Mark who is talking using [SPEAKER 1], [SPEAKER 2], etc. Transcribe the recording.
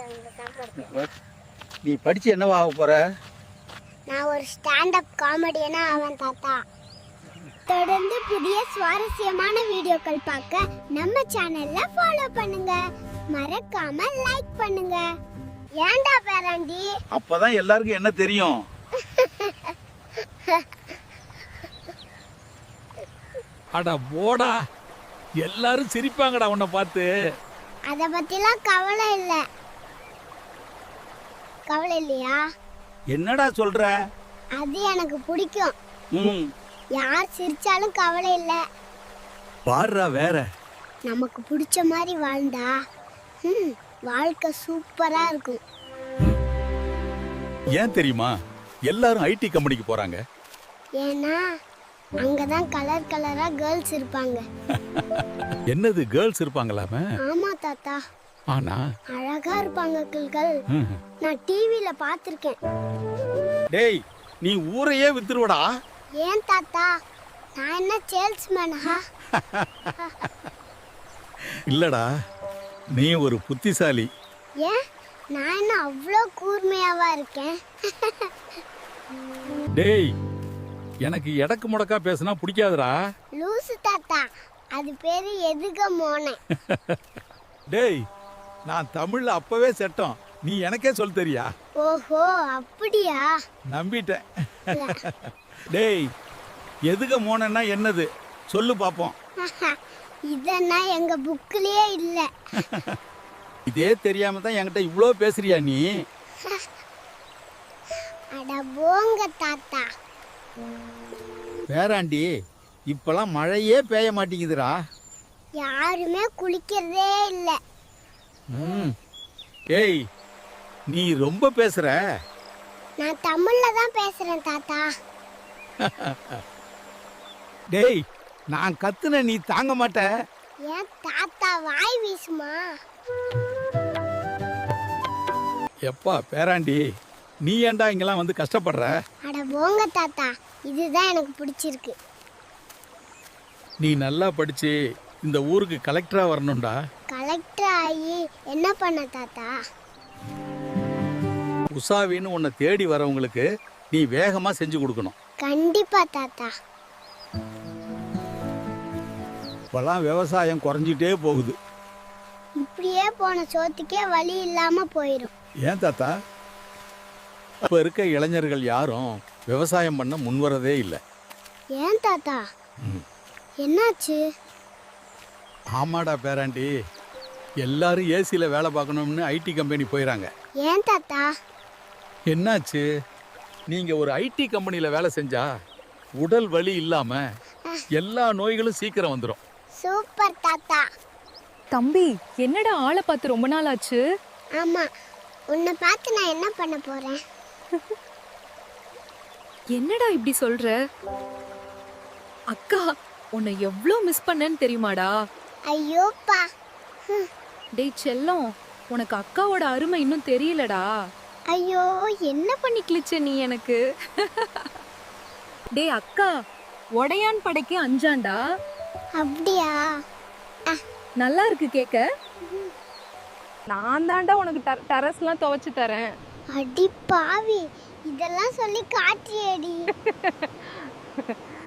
[SPEAKER 1] நீ படிச்சு என்னவா ஆக போற?
[SPEAKER 2] நான் ஒரு ஸ்டாண்டப் காமெடியனா ஆவேன் தாத்தா. தொடர்ந்து புதிய சுவாரஸ்யமான வீடியோக்கள் பார்க்க நம்ம சேனல்ல ஃபாலோ பண்ணுங்க. மறக்காம லைக் பண்ணுங்க. ஏன்டா பேராண்டி?
[SPEAKER 1] அப்பதான் எல்லாருக்கும் என்ன தெரியும்.
[SPEAKER 3] அட போடா, எல்லாரும் சிரிப்பாங்கடா உன்னை பார்த்து.
[SPEAKER 2] அத பத்திலாம் கவலை இல்ல. கவலை இல்லையா?
[SPEAKER 1] என்னடா சொல்ற?
[SPEAKER 2] அது எனக்கு பிடிக்கும்.
[SPEAKER 1] ம்,
[SPEAKER 2] யார் சிரிச்சாலும் கவலை இல்ல.
[SPEAKER 1] பாருடா வேற.
[SPEAKER 2] நமக்கு பிடிச்ச மாதிரி வாழ்ந்தா வாழ்க்கை சூப்பரா இருக்கும்.
[SPEAKER 3] ஏன் தெரியுமா எல்லாரும் ஐடி கம்பெனிக்கு போறாங்க?
[SPEAKER 2] ஏன்னா அங்கதான் கலர் கலரா கேர்ள்ஸ் இருப்பாங்க.
[SPEAKER 3] என்னது கேர்ள்ஸ் இருப்பாங்களாமே?
[SPEAKER 2] ஆமா தாத்தா,
[SPEAKER 3] ஆனா
[SPEAKER 2] அழகா இருப்பாங்க கிள்கள். நான் டிவில பாத்திருக்கேன்.
[SPEAKER 1] டேய், நீ ஊரையே வித்துருவடா.
[SPEAKER 2] ஏன் தாத்தா, நான் என்ன சேல்ஸ்மேனா?
[SPEAKER 3] இல்லடா, நீ ஒரு புத்திசாலி.
[SPEAKER 2] ஏன் நான் என்ன அவ்வளோ கூர்மையாவா இருக்கேன்?
[SPEAKER 3] டேய், எனக்கு எடக்கு முடக்கா பேசினா பிடிக்காதுடா.
[SPEAKER 2] லூசு தாத்தா, அது பேரு எதுக மோனே.
[SPEAKER 3] டேய், நான் தமிழ்ல அப்பவே செட்டோம். நீ எனக்கே சொல்ல தெரியா?
[SPEAKER 2] ஓஹோ, அப்படியா?
[SPEAKER 3] நம்பிட்டேன். டேய், எதுக மோனன்னா என்னது சொல்லு பாப்போம்.
[SPEAKER 2] இதெல்லாம் எங்க புக்லயே இல்ல.
[SPEAKER 1] இதே தெரியாம தான் என்கிட்ட இவ்ளோ பேசுறியா நீ?
[SPEAKER 2] அட போங்க தாத்தா.
[SPEAKER 1] வேறாண்டி, இப்பெல்லாம் மழையே பெய்ய மாட்டேங்குதுடா.
[SPEAKER 2] யாருமே குளிக்கிறதே இல்ல.
[SPEAKER 1] ஏய், நீ ரொம்ப பேசுற.
[SPEAKER 2] நான் தமிழ்ல தான் பேசுறேன் தாத்தா.
[SPEAKER 1] டேய், நான் கத்துன நீ தாங்க மாட்ட.
[SPEAKER 2] ஏன் தாத்தா வாய் வீசுமா?
[SPEAKER 3] எப்பா பேராண்டி, நீ ஏன்டா இங்கெல்லாம் வந்து கஷ்டப்படுற?
[SPEAKER 2] அட போங்க தாத்தா, இதுதான் எனக்கு பிடிச்சிருக்கு.
[SPEAKER 3] நீ நல்லா படிச்சு இந்த ஊருக்கு கலெக்டரா வரணும்டா.
[SPEAKER 2] கலெக்டர் ஆகி என்ன பண்ண தாத்தா?
[SPEAKER 1] உஷாவின்னு உன்னை தேடி வரவங்களுக்கு நீ வேகமா செஞ்சு கொடுக்கணும்.
[SPEAKER 2] கண்டிப்பா தாத்தா.
[SPEAKER 1] இப்பெல்லாம் விவசாயம் குறைஞ்சிட்டே போகுது.
[SPEAKER 2] இப்படியே போன சோத்துக்கே வழி இல்லாம போயிடும்.
[SPEAKER 1] ஏன் தாத்தா? இப்ப இருக்க இளைஞர்கள் யாரும் விவசாயம் பண்ண முன்வரதே இல்லை.
[SPEAKER 2] ஏன் தாத்தா, என்னாச்சு?
[SPEAKER 1] ஆமாடா பேராண்டி, எல்லாரும் ஏசியில் வேலை பார்க்கணும்னு ஐடி கம்பெனி போயிடறாங்க.
[SPEAKER 2] ஏன் தாத்தா?
[SPEAKER 1] என்னாச்சு? நீங்கள் ஒரு ஐடி கம்பெனியில் வேலை செஞ்சா உடல் வலி இல்லாமல் எல்லா நோய்களும் சீக்கிரம் வந்துடும்.
[SPEAKER 2] சூப்பர் தாத்தா.
[SPEAKER 4] தம்பி, என்னடா ஆளை பார்த்து ரொம்ப நாள் ஆச்சு?
[SPEAKER 2] ஆமா, உன்னை பார்த்து நான் என்ன பண்ண போறேன்?
[SPEAKER 4] என்னடா இப்படி சொல்ற? அக்கா உன்னை எவ்வளோ மிஸ் பண்ணேன்னு தெரியுமாடா?
[SPEAKER 2] ஐயோப்பா.
[SPEAKER 4] டேய் செல்லம், உனக்கு அக்காவோட அருமை இன்னும் தெரியலடா.
[SPEAKER 2] ஐயோ,
[SPEAKER 4] என்ன பண்ணி கிழிச்ச நீ எனக்கு? டேய் அக்கா, உடையான் படைக்கு அஞ்சாண்டா.
[SPEAKER 2] அப்படியா?
[SPEAKER 4] நல்லா இருக்கு கேக்க. நான் தாண்டா உனக்கு டெரஸ்லாம் துவைச்சு தரேன்.
[SPEAKER 2] அடி பாவி, இதெல்லாம் சொல்லி காட்டியேடி.